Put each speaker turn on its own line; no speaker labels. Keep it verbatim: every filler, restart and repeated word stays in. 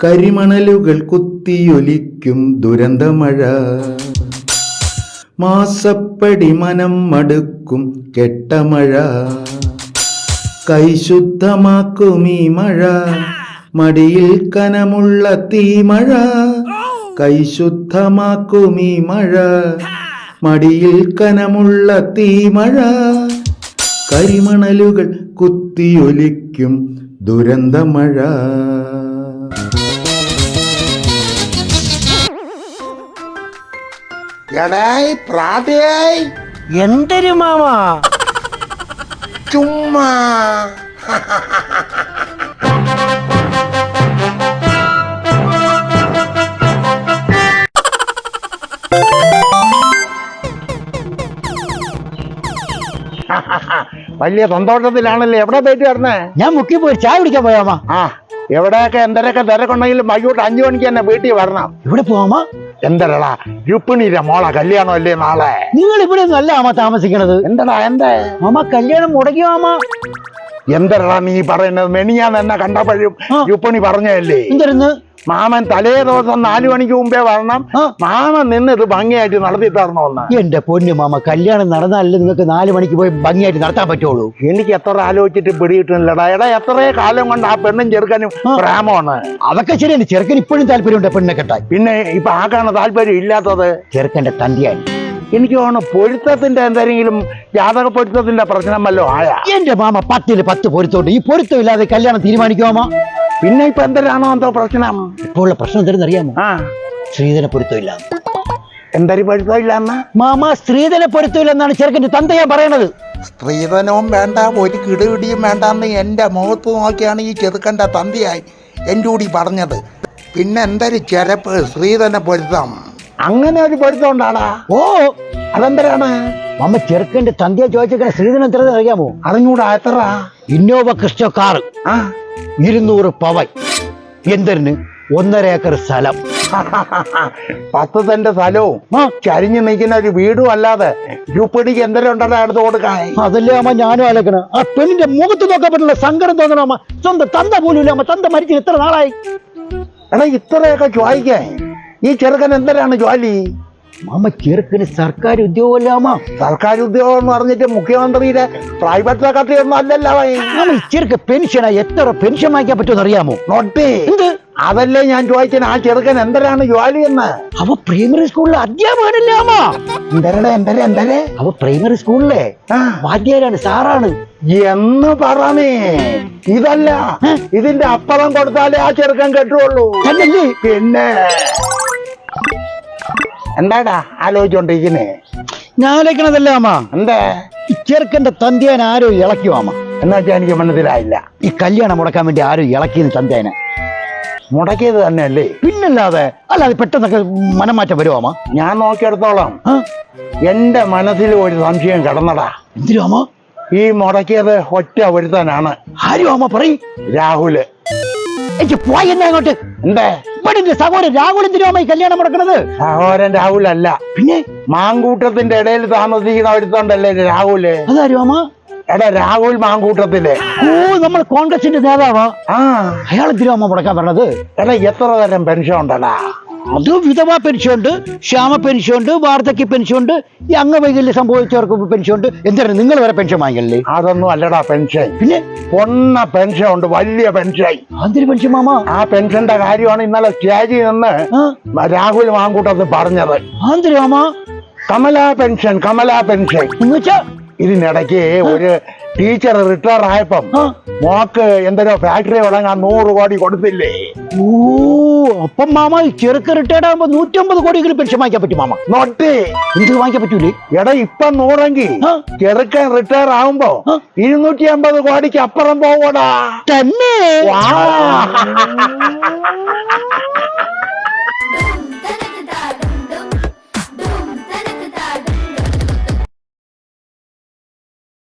കരിമണലുകൾ കുത്തിയൊലിക്കും ദുരന്തമഴ, മാസപ്പടി മനം മടുക്കും കെട്ടമഴ, കൈശുദ്ധമാക്കും ഈ മഴ, മടിയിൽ കനമുള്ള തീമഴ, കൈശുദ്ധമാക്കും ഈ മഴ, മടിയിൽ കനമുള്ള തീമഴ, കരിമണലുകൾ കുത്തിയൊലിക്കും ദുരന്തമഴ.
എന്തൊരു മാമ
ചുമ്മാ വലിയ സന്തോഷത്തിലാണല്ലേ. എവിടെ പോയിട്ട് വരണേ?
ഞാൻ മുക്കി പോയി ചായ കുടിക്കാൻ പോയാമാ.
ആ എവിടെയൊക്കെ എന്തൊക്കെ തിരക്കുണ്ടെങ്കിലും വൈകിട്ട് അഞ്ചു മണിക്ക് തന്നെ വീട്ടിൽ വരണം.
ഇവിടെ പോവാമാ?
എന്തരടാ രുപ്പിണിയിലെ മോളെ കല്യാണം അല്ലേ നാളെ?
നിങ്ങൾ ഇവിടെ ഒന്നും അല്ല മാമ താമസിക്കണത്.
എന്തടാ എന്താ
മാമ കല്യാണം മുടക്കി മാമ?
എന്തരടാ നീ പറയുന്നത്? മെനിയാന്ന് എന്നെ കണ്ടപ്പോഴും രുപ്പിണി പറഞ്ഞല്ലേ
എന്തായിരുന്നു?
മാമൻ തലേ ദിവസം നാലു മണിക്ക് മുമ്പേ വരണം, മാമൻ നിന്ന് ഇത് ഭംഗിയായിട്ട് നടത്തി തരണമെന്ന്.
എന്റെ പൊന്നു മാമ, കല്യാണം നടന്നാലല്ലേ നിങ്ങൾക്ക് നാലു മണിക്ക് പോയി ഭംഗിയായിട്ട് നടത്താൻ പറ്റുള്ളൂ.
എനിക്ക് എത്ര ആലോചിച്ചിട്ട് പിടിയിട്ടില്ലടാ. എടാ എത്രേ കാലം കൊണ്ട് ആ പെണ്ണും ചെറുക്കനും പ്രേമമാണ്.
അതൊക്കെ ശരിയാണ്. ചെറുക്കൻ ഇപ്പോഴും താല്പര്യമുണ്ട് പെണ്ണെ കെട്ടാൻ.
പിന്നെ ഇപ്പൊ ആക്കാണ് താല്പര്യം ഇല്ലാത്തത്?
ചെറുക്കന്റെ തന്റെയാണ്.
എനിക്ക് തോന്നുന്നു പൊരുത്തത്തിന്റെ എന്തെങ്കിലും ജാതക പൊരുത്തത്തിന്റെ പ്രശ്നം വല്ലോ ആയാ?
എന്റെ മാമ പത്തില് പത്ത് പൊരുത്തോണ്ട് ഈ പൊരുത്തം ഇല്ലാതെ കല്യാണം തീരുമാനിക്കുമാ?
പിന്നെ ഇപ്പൊ എന്തരാണോ എന്തോ പ്രശ്നം?
ഇപ്പോൾ ഉള്ള പ്രശ്നം എന്താണെന്ന് അറിയാമോ?
ആ
സ്ത്രീധന പൊരുത്തം ഇല്ല.
എന്തൊരു പൊരുത്തം ഇല്ലാന്ന
മാമ? സ്ത്രീധന പൊരുത്തം ഇല്ലെന്നാണ് ചെറുക്കന്റെ തന്തയാ പറയണത്.
സ്ത്രീധനവും വേണ്ട ഒരു കിടുകിടിയും വേണ്ടെന്ന് എന്റെ മുഖത്ത് നോക്കിയാണ് ഈ ചെറുക്കന്റെ തന്തയായി എൻ്റെ കൂടി പറഞ്ഞത്. പിന്നെ എന്തൊരു ചെരപ്പ് സ്ത്രീധന പൊരുത്തം? അങ്ങനെ ഒരു പൊരുത്തം ഉണ്ടാടാ?
ഓ
അതെന്തരാണ്
മാമ? ചെറുക്കന്റെ തന്തയെ ചോദിച്ചേക്കണ സ്ത്രീധനം എത്ര അറിയാമോ?
അറിഞ്ഞൂടാ. എത്ര?
ഇന്നോവ ക്രിസ്റ്റോ കാർ,
ആ
ഇരുന്നൂറ് പവൻ, എന്തിന് ഒന്നര ഏക്കർ സ്ഥലം,
പത്ത് സെന്റ് സ്ഥലവും ചരിഞ്ഞു നിൽക്കുന്ന ഒരു വീടും അല്ലാതെ രൂപടിക്ക് എന്തെങ്കിലും ഉണ്ടല്ലോ അടുത്ത് കൊടുക്കാൻ?
അതല്ലേ അമ്മ ഞാനും ആലോചന. ആ പെണ്ണിന്റെ മുഖത്ത് നോക്കാൻ പറ്റില്ല, സങ്കടം തോന്നണം അമ്മ. സ്വന്തം തന്ത പോലും ഇല്ല അമ്മ. തന്ത മരിച്ചു എത്ര നാളായി?
എടാ ഇത്രയൊക്കെ ചോദിക്കാൻ ഈ ചെറുക്കൻ എന്തിനാണ് ജോലി?
മാമ ചെറുക്കന് സർക്കാർ ഉദ്യോഗമല്ല അമ്മ.
സർക്കാർ ഉദ്യോഗം എന്ന് പറഞ്ഞിട്ട് മുഖ്യമന്ത്രിയുടെ പ്രൈവറ്റ് സെക്രട്ടറി ഒന്നും അല്ലല്ലോ.
ഈ ചെറുക്ക പെൻഷനാ. എത്ര പെൻഷൻ വാങ്ങിക്കാൻ പറ്റുമെന്ന് അറിയാമോ?
നോട്ടി
എന്ത്?
അതല്ലേ ഞാൻ ചോദിച്ചത്, ആ ചെറുക്കൻ എന്തിനാണ് ജോലി എന്ന്?
അവ പ്രൈമറി സ്കൂളിലെ അധ്യാപകനല്ല അമ്മ.
എന്തരടെ എന്തരെ എന്തരെ
അവ പ്രൈമറി സ്കൂളിലെ വാദ്യാരാണ്, സാറാണ്
എന്ന് പറഞ്ഞേ. ഇതല്ല, ഇതിന്റെ അപ്പുറം കൊടുത്താലേ ആ ചെറുക്കൻ കെട്ടുള്ളൂ. പിന്നെ എന്താടാ ആലോചിച്ചോണ്ടിരിക്കുന്നേ?
ഞാൻ ആലോചിക്കണതല്ല അമ്മ.
എന്താ?
ഈ ചെറുക്കന്റെ തന്തയാൻ ആരോ ഇളക്കിയോ അമ്മ?
എന്നാ വെച്ചാൽ എനിക്ക് മനസ്സിലായില്ല.
ഈ കല്യാണം മുടക്കാൻ വേണ്ടി ആരോ ഇളക്കിയെന്ന് തന്തേനെ.
മുടക്കിയത് തന്നെയല്ലേ?
പിന്നല്ലാതെ. അല്ലാതെ പെട്ടെന്നൊക്കെ മനംമാറ്റം വരുമോ അമ്മ?
ഞാൻ നോക്കിയെടുത്തോളാം. എന്റെ മനസ്സിൽ ഒരു സംശയം കിടന്നടാ.
എന്തിനു അമ്മ?
ഈ മുടക്കിയത് ഒറ്റ ഒരുത്തനാണ്.
ആരും അമ്മ പറയും?
രാഹുല്.
എനിക്ക് പോയി എന്നാ അങ്ങോട്ട്.
എന്തേ?
ഇവിടെ സഹോദരൻ രാഹുൽ എന്തിനു അമ്മ ഈ കല്യാണം മുടക്കണത്?
സഹോദരൻ രാഹുൽ അല്ല, പിന്നെ മാങ്കൂട്ടത്തിന്റെ ഇടയിൽ താമസിക്കുന്ന ഒരുത്തണ്ടല്ലേ രാഹുല്.
അതാരും അമ്മ?
എടാ രാഹുൽ മാങ്കൂട്ടത്തില്.
ഓ, നമ്മൾ കോൺഗ്രസിന്റെ നേതാവാ.
ആ
അയാൾ എന്തിനു അമ്മ മുടക്കാൻ പറഞ്ഞത്?
എടാ എത്ര തരം പെൻഷൻ ഉണ്ടടാ?
അത് വിധവാ പെൻഷൻ ഉണ്ട്, ക്ഷാമ പെൻഷൻ ഉണ്ട്, വാർദ്ധക്യ പെൻഷൻ ഉണ്ട്, ഈ അംഗവൈകല്യം സംഭവിച്ചവർക്ക് പെൻഷൻ ഉണ്ട്. എന്താണ് നിങ്ങൾ വരെ പെൻഷൻ വാങ്ങിക്കല്ലേ?
അതൊന്നും അല്ലടാ പെൻഷൻ.
പിന്നെ
പൊണ്ണ പെൻഷൻ ഉണ്ട്, വലിയ പെൻഷൻ.
അതിന് പെൻഷൻ മാമ?
ആ പെൻഷന്റെ കാര്യമാണ് ഇന്നലെ സ്റ്റേജിൽ നിന്ന് രാഹുൽ മാങ്കൂട്ടത്തിൽ പറഞ്ഞത്.
അതിന് മാമ?
കമലാ പെൻഷൻ, കമലാ പെൻഷൻ
എന്ന് വെച്ചാ
ഇതിനിടയ്ക്ക് ഒരു ടീച്ചർ റിട്ടയർ ആയപ്പം മോക്ക് എന്തൊരു ഫാക്ടറി തുടങ്ങാൻ നൂറ് കോടി കൊടുത്തില്ലേ?
ഓ, അപ്പം മാമ ചെറുക്ക് റിട്ടയർഡ് ആകുമ്പോ നൂറ്റമ്പത് കോടിയെങ്കിലും പെൻഷൻ വാങ്ങിക്കാൻ പറ്റും മാമ?
നോട്ട്
എന്ത് വാങ്ങിക്കാൻ പറ്റൂലേ?
എടാ ഇപ്പൊ നൂറെങ്കിൽ ചെറുക്കൻ റിട്ടയർ ആകുമ്പോ ഇരുന്നൂറ്റി അമ്പത് കോടിക്ക് അപ്പുറം പോവടാ.
തന്നെ?